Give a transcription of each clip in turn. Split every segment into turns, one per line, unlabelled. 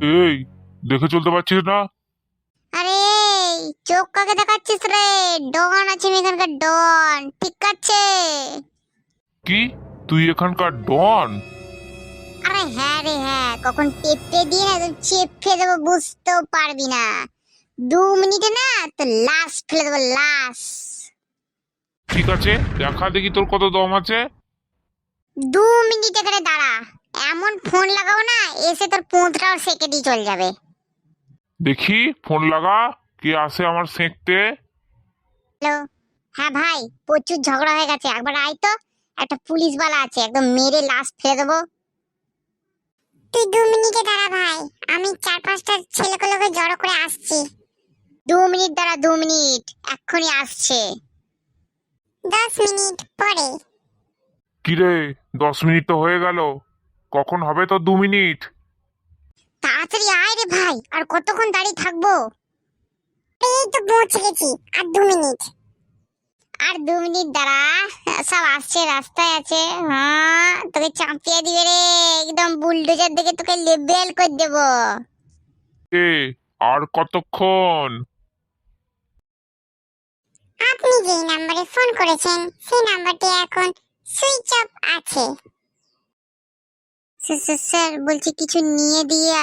এই, দেখে চলতে পারছিস না?
আরে চোখ কাকে দেখাচ্ছিস রে? ডন আছে আমি এখানকার ডন, ঠিক আছে?
কি, তুই এখানকার ডন?
আরে হ্যাঁ রে হ্যাঁ, কখন পেঁপে দিয়ে না একদম চেপে দেবো, বুঝতেও পারবি না। 2 মিনিটে না তো লাশ ফেলে দেবো, লাশ।
ঠিক আছে, দেখা দেখি তোর কত দম আছে।
2 মিনিট এখানে দাঁড়া, এমন ফোন লাগাবো না এসে তোর পুঁতটাও সেকে দিয়ে চলে যাবে।
দেখি ফোন লাগা, কে আসে আমার সেঁকতে।
হ্যালো। হ্যাঁ ভাই, প্রচুর ঝগড়া হয়ে গেছে, একবার আয় তো। একটা পুলিশ বালা আছে, একদম মেরে লাশ ফেলে দেবো। তুই 2 মিনিটে দাঁড়া ভাই, আমি 4-5টা ছেলেগুলোকে জড়ো করে আসছি। 2 মিনিট দাঁড়া, 2 মিনিট, এক্ষুনি আসছে। 10 মিনিট পরে।
কিরে, 10 মিনিট তো হয়ে গেল, কখন হবে তো 2 মিনিট?
তাড়াতাড়ি আয় রে ভাই, আর কতক্ষণ দাঁড়িয়ে থাকবো? এই তো পৌঁছে গেছি, আর 2 মিনিট। আর 2 মিনিট দাঁড়া, সব আসছে, রাস্তায় আছে। হ্যাঁ, তোকে চাপিয়ে দিবে রে, একদম বুলডোজার দেখে তোকে লেবেল করে দেবো।
এ, আর কতক্ষণ?
আপনি যেই নম্বরে ফোন করেছেন সেই নাম্বারটি এখন সুইচ অফ আছে। স্যার বলছি, কিছু নিয়ে দিয়ে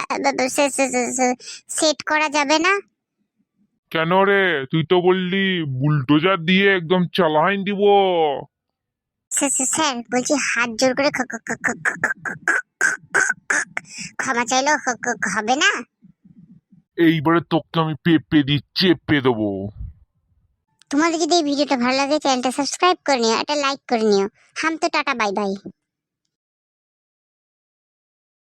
সেট করা যাবে না?
কেন রে, তুই তো বললি বুলডোজার দিয়ে একদম চালাইন দিব।
স্যার বলছি, হাত জোর করে ক্ষমা চাইলো হবে না?
এইবারে তোকে আমি পেপে দিয়ে চেপে দেবো।
তোমাদের যদি এই ভিডিওটা ভালো লাগে চ্যানেলটা সাবস্ক্রাইব করে নিও, একটা লাইক করে নিও। হাম তো টাটা, বাই বাই।